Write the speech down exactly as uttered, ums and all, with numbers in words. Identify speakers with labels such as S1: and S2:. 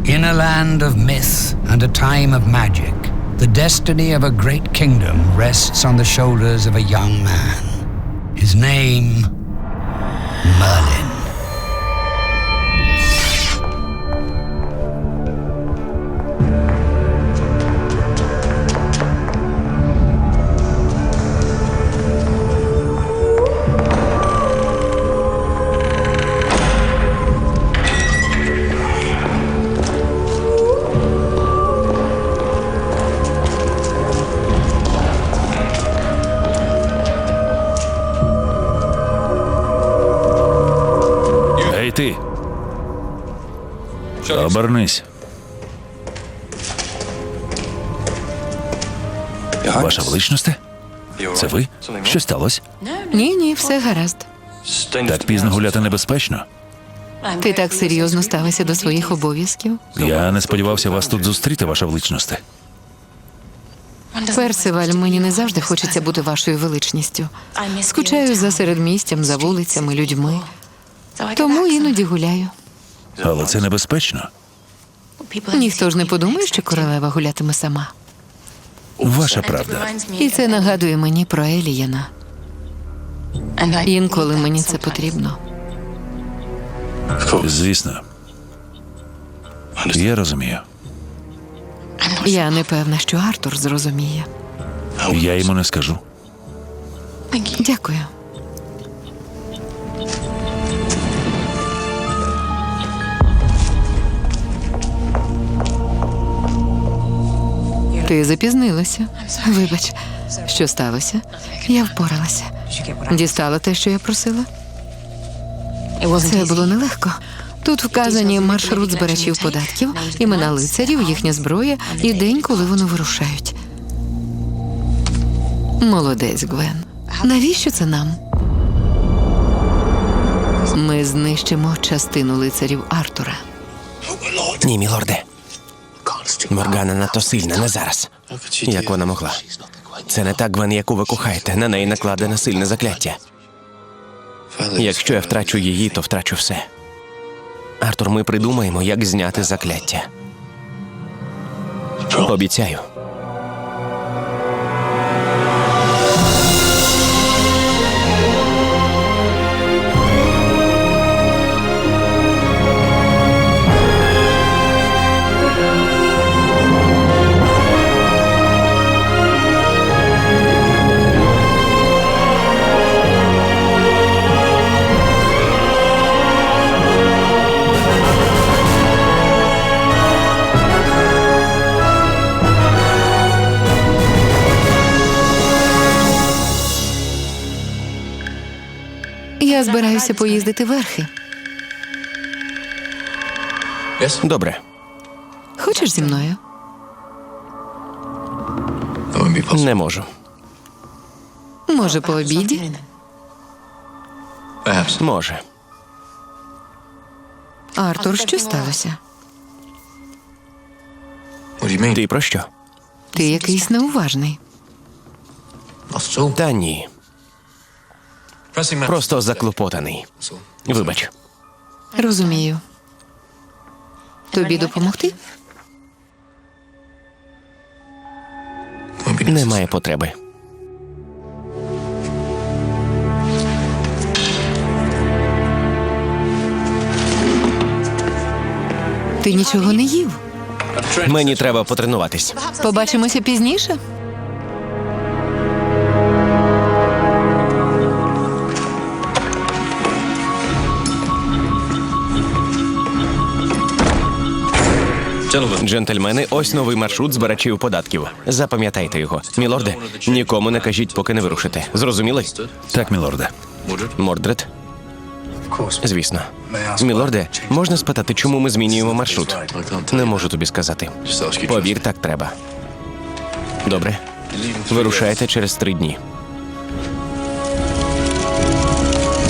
S1: In a land of myth and a time of magic, the destiny of a great kingdom rests on the shoulders of a young man. His name, Merlin.
S2: Ти. Обернись. Ваша величність? Це ви? Що сталося?
S3: Ні, ні, все гаразд.
S2: Так пізно гуляти небезпечно.
S3: Ти так серйозно ставишся до своїх обов'язків?
S2: Я не сподівався вас тут зустріти, ваша величність.
S3: Персиваль, мені не завжди хочеться бути вашою величністю. Скучаю за середмістям, за вулицями, людьми. Тому іноді гуляю.
S2: Але це небезпечно.
S3: Ніхто ж не подумає, що королева гулятиме сама.
S2: Ваша правда.
S3: І це нагадує мені про Еліяна. Інколи мені це потрібно.
S2: Звісно. Я розумію.
S3: Я не певна, що Артур зрозуміє.
S2: Я йому не скажу.
S3: Дякую. Ти запізнилася. Вибач, що сталося? Я впоралася. Дістала те, що я просила? Це було нелегко. Тут вказані маршрут збирачів податків, імена лицарів, їхня зброя і день, коли вони вирушають. Молодець, Гвен. Навіщо це нам? Ми знищимо частину лицарів Артура.
S4: Ні, мілорде. Моргана надто сильна, не зараз. Як вона могла? Це не та Гвен, яку ви кохаєте. На неї накладене сильне закляття. Якщо я втрачу її, то втрачу все. Артур, ми придумаємо, як зняти закляття. Обіцяю.
S3: Я збираюся поїздити верхи.
S4: Добре.
S3: Хочеш зі мною?
S4: Не можу.
S3: Може, по обіді?
S4: Може.
S3: Артур, що сталося?
S4: Ти про що?
S3: Ти якийсь неуважний.
S4: Та ні. Просто заклопотаний. Вибач.
S3: Розумію. Тобі допомогти?
S4: Немає потреби.
S3: Ти нічого не їв.
S4: Мені треба потренуватись.
S3: Побачимося пізніше?
S4: Джентльмени, ось новий маршрут збирачів податків. Запам'ятайте його. Мілорде, нікому не кажіть, поки не вирушите. Зрозуміли?
S2: Так, мілорде.
S4: Мордред? Звісно. Мілорде, можна спитати, чому ми змінюємо маршрут? Не можу тобі сказати. Повір, так треба. Добре. Вирушайте через три дні.